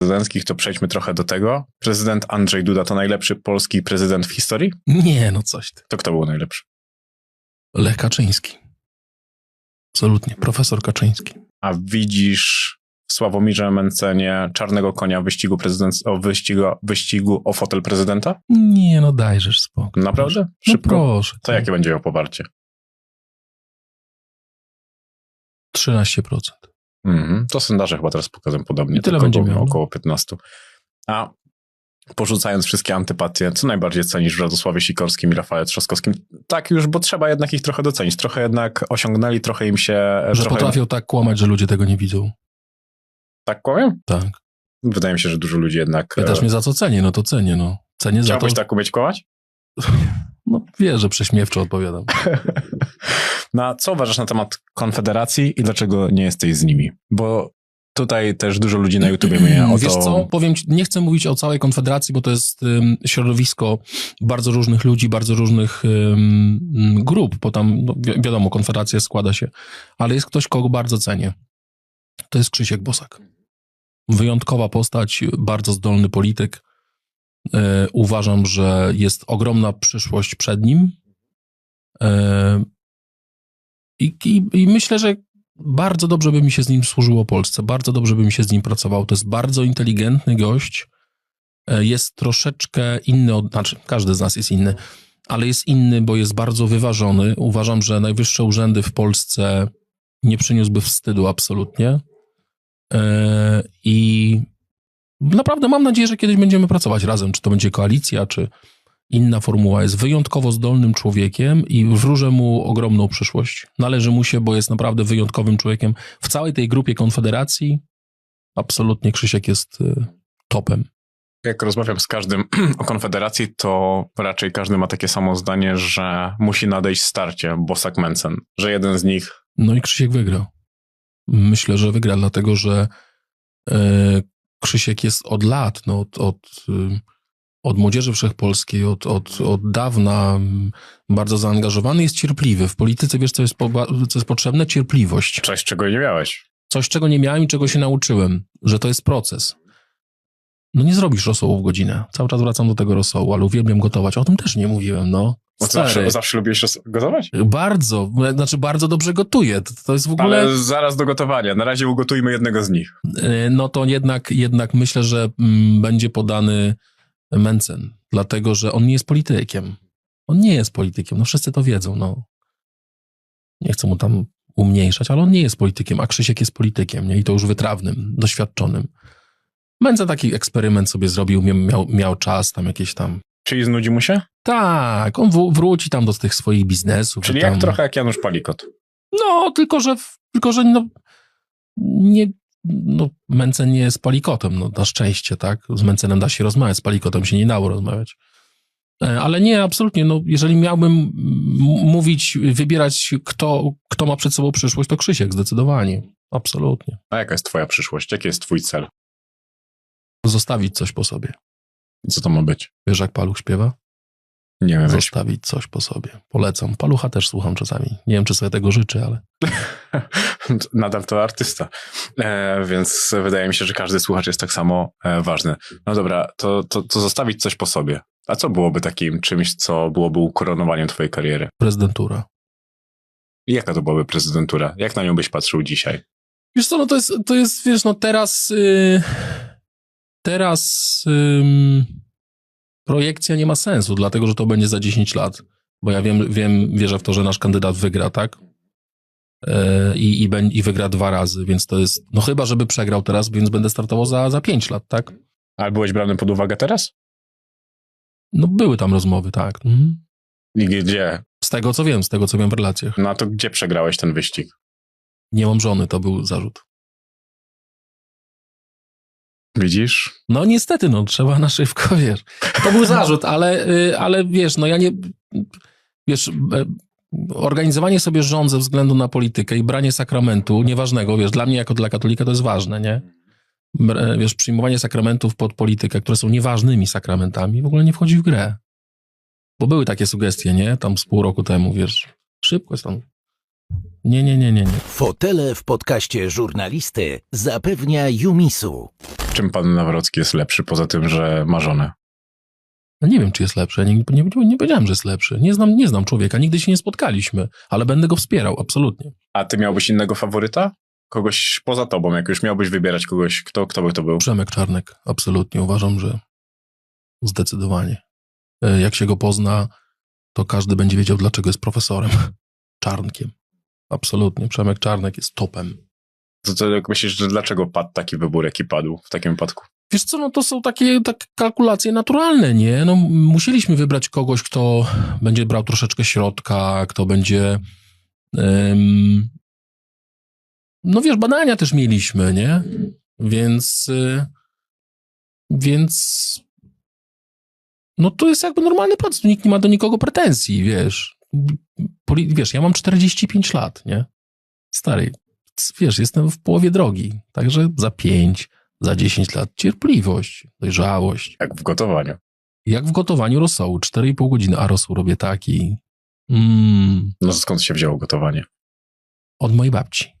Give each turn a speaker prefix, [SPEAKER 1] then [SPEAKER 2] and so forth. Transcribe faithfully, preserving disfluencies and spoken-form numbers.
[SPEAKER 1] prezydenckich, to przejdźmy trochę do tego. Prezydent Andrzej Duda to najlepszy polski prezydent w historii?
[SPEAKER 2] Nie, no coś ty.
[SPEAKER 1] To kto był najlepszy?
[SPEAKER 2] Lech Kaczyński. Absolutnie, profesor Kaczyński.
[SPEAKER 1] A widzisz w Sławomirze Mencenie czarnego konia w wyścigu, prezydent... o wyścigu, wyścigu o fotel prezydenta?
[SPEAKER 2] Nie, no dajżesz spokój.
[SPEAKER 1] Naprawdę?
[SPEAKER 2] Szybko? No proszę.
[SPEAKER 1] To jakie będzie miał poparcie?
[SPEAKER 2] trzynaście procent.
[SPEAKER 1] Mhm. To sondaże chyba teraz pokazują podobnie.
[SPEAKER 2] I tyle będzie miał.
[SPEAKER 1] Około piętnaście. A porzucając wszystkie antypatie, co najbardziej cenisz w Radosławie Sikorskim i Rafale Trzaskowskim? Tak już, bo trzeba jednak ich trochę docenić. Trochę jednak osiągnęli, trochę im się...
[SPEAKER 2] Że
[SPEAKER 1] trochę...
[SPEAKER 2] potrafią tak kłamać, że ludzie tego nie widzą.
[SPEAKER 1] Tak kłamią?
[SPEAKER 2] Tak.
[SPEAKER 1] Wydaje mi się, że dużo ludzi jednak...
[SPEAKER 2] Pytasz mnie za co cenię? No to cenię, no. Cenię za to...
[SPEAKER 1] Chciałbyś tak umieć kłamać?
[SPEAKER 2] No wiesz, że prześmiewczo odpowiadam.
[SPEAKER 1] Na co uważasz na temat Konfederacji i dlaczego nie jesteś z nimi? Bo tutaj też dużo ludzi na YouTubie mnie o to...
[SPEAKER 2] Wiesz co, powiem ci, nie chcę mówić o całej Konfederacji, bo to jest um, środowisko bardzo różnych ludzi, bardzo różnych um, grup, bo tam, no, wi- wiadomo, Konfederacja składa się, ale jest ktoś, kogo bardzo cenię. To jest Krzysiek Bosak. Wyjątkowa postać, bardzo zdolny polityk. E, uważam, że jest ogromna przyszłość przed nim. E, i, i, I myślę, że bardzo dobrze by mi się z nim służyło Polsce, bardzo dobrze by mi się z nim pracowało. To jest bardzo inteligentny gość, e, jest troszeczkę inny, od, znaczy każdy z nas jest inny, ale jest inny, bo jest bardzo wyważony. Uważam, że najwyższe urzędy w Polsce nie przyniósłby wstydu absolutnie. E, I naprawdę mam nadzieję, że kiedyś będziemy pracować razem, czy to będzie koalicja, czy inna formuła. Jest wyjątkowo zdolnym człowiekiem i wróżę mu ogromną przyszłość. Należy mu się, bo jest naprawdę wyjątkowym człowiekiem. W całej tej grupie Konfederacji absolutnie Krzysiek jest y, topem.
[SPEAKER 1] Jak rozmawiam z każdym o Konfederacji, to raczej każdy ma takie samo zdanie, że musi nadejść starcie Bosak-Mencen, że jeden z nich...
[SPEAKER 2] No i Krzysiek wygra. Myślę, że wygra, dlatego że y, Krzysiek jest od lat, no, od, od, y, od Młodzieży Wszechpolskiej, od, od, od dawna bardzo zaangażowany, jest cierpliwy. W polityce, wiesz, co jest, po, co jest potrzebne? Cierpliwość.
[SPEAKER 1] Coś, czego nie miałeś.
[SPEAKER 2] Coś, czego nie miałem i czego się nauczyłem, że to jest proces. No nie zrobisz rosołu w godzinę. Cały czas wracam do tego rosołu, ale uwielbiam gotować. O tym też nie mówiłem, no.
[SPEAKER 1] Bo zawsze, zawsze lubiłeś ros- gotować?
[SPEAKER 2] Bardzo, znaczy bardzo dobrze gotuję. To, to jest w ogóle...
[SPEAKER 1] Ale zaraz do gotowania. Na razie ugotujmy jednego z nich.
[SPEAKER 2] No to jednak, jednak myślę, że mm, będzie podany Mencen, dlatego, że on nie jest politykiem. On nie jest politykiem, no wszyscy to wiedzą, no. Nie chcę mu tam umniejszać, ale on nie jest politykiem, a Krzysiek jest politykiem, nie? I to już wytrawnym, doświadczonym. Mencen taki eksperyment sobie zrobił, miał, miał czas tam jakieś tam...
[SPEAKER 1] Czyli znudzi mu się?
[SPEAKER 2] Tak, on w, wróci tam do tych swoich biznesów.
[SPEAKER 1] Czyli
[SPEAKER 2] tam...
[SPEAKER 1] jak trochę jak Janusz Palikot.
[SPEAKER 2] No, tylko że, tylko, że no, nie, no, Mencen nie jest Palikotem, no na szczęście, tak? Z Mencenem da się rozmawiać, z Palikotem się nie dało rozmawiać. Ale nie, absolutnie, no, jeżeli miałbym m- mówić, wybierać, kto, kto ma przed sobą przyszłość, to Krzysiek, zdecydowanie. Absolutnie.
[SPEAKER 1] A jaka jest twoja przyszłość? Jaki jest twój cel?
[SPEAKER 2] Zostawić coś po sobie.
[SPEAKER 1] Co to ma być?
[SPEAKER 2] Wiesz, jak Paluch śpiewa?
[SPEAKER 1] Nie wiem.
[SPEAKER 2] Zostawić coś po sobie. Polecam. Palucha też słucham czasami. Nie wiem, czy sobie tego życzę, ale...
[SPEAKER 1] Nadal to artysta. E, więc wydaje mi się, że każdy słuchacz jest tak samo e, ważny. No dobra, to, to, to zostawić coś po sobie. A co byłoby takim czymś, co byłoby ukoronowaniem twojej kariery?
[SPEAKER 2] Prezydentura.
[SPEAKER 1] I jaka to byłaby prezydentura? Jak na nią byś patrzył dzisiaj?
[SPEAKER 2] Wiesz co, no to jest, to jest wiesz, no teraz... Yy, teraz... Yy, projekcja nie ma sensu, dlatego, że to będzie za dziesięć lat. Bo ja wiem, wiem wierzę w to, że nasz kandydat wygra, tak? Yy, i, i, I wygra dwa razy, więc to jest... No chyba, żeby przegrał teraz, więc będę startował za, za pięć lat, tak?
[SPEAKER 1] Ale byłeś brany pod uwagę teraz?
[SPEAKER 2] No były tam rozmowy, tak. Mhm.
[SPEAKER 1] I gdzie?
[SPEAKER 2] Z tego, co wiem, z tego, co wiem w relacjach.
[SPEAKER 1] No to gdzie przegrałeś ten wyścig?
[SPEAKER 2] Nie mam żony, to był zarzut.
[SPEAKER 1] Widzisz?
[SPEAKER 2] No niestety, no trzeba na szybko, wiesz. To był zarzut, ale, ale wiesz, no ja nie... Wiesz, organizowanie sobie żon ze względu na politykę i branie sakramentu, nieważnego, wiesz, dla mnie jako dla katolika to jest ważne, nie? Wiesz, przyjmowanie sakramentów pod politykę, które są nieważnymi sakramentami, w ogóle nie wchodzi w grę. Bo były takie sugestie, nie? Tam z pół roku temu, wiesz, szybko jest tam Nie, nie, nie, nie, nie.
[SPEAKER 3] Fotele w podcaście żurnalisty zapewnia Jumisu.
[SPEAKER 1] Czym pan Nawrocki jest lepszy, poza tym, że ma żonę?
[SPEAKER 2] No nie wiem, czy jest lepszy. Ja nie, nie, nie powiedziałem, że jest lepszy. Nie znam, nie znam człowieka, nigdy się nie spotkaliśmy, ale będę go wspierał, absolutnie.
[SPEAKER 1] A ty miałbyś innego faworyta? Kogoś poza tobą, jak już miałbyś wybierać kogoś, kto, kto by to był?
[SPEAKER 2] Przemek Czarnek, absolutnie. Uważam, że zdecydowanie. Jak się go pozna, to każdy będzie wiedział, dlaczego jest profesorem. Czarnkiem. Absolutnie. Przemek Czarnek jest topem.
[SPEAKER 1] To, to jak myślisz, że dlaczego padł taki wybór, jaki padł w takim wypadku?
[SPEAKER 2] Wiesz co, no to są takie, takie kalkulacje naturalne, nie? No musieliśmy wybrać kogoś, kto będzie brał troszeczkę środka, kto będzie... Um, no wiesz, badania też mieliśmy, nie? Więc... Y, więc... No to jest jakby normalny proces, nikt nie ma do nikogo pretensji, wiesz. Poli- wiesz, ja mam czterdzieści pięć lat, nie? Stary, wiesz, jestem w połowie drogi, także za pięć, za dziesięć lat cierpliwość, dojrzałość.
[SPEAKER 1] Jak w gotowaniu.
[SPEAKER 2] Jak w gotowaniu rosołu, cztery i pół godziny, a rosół robię taki. Mm,
[SPEAKER 1] No skąd się wzięło gotowanie?
[SPEAKER 2] od mojej babci.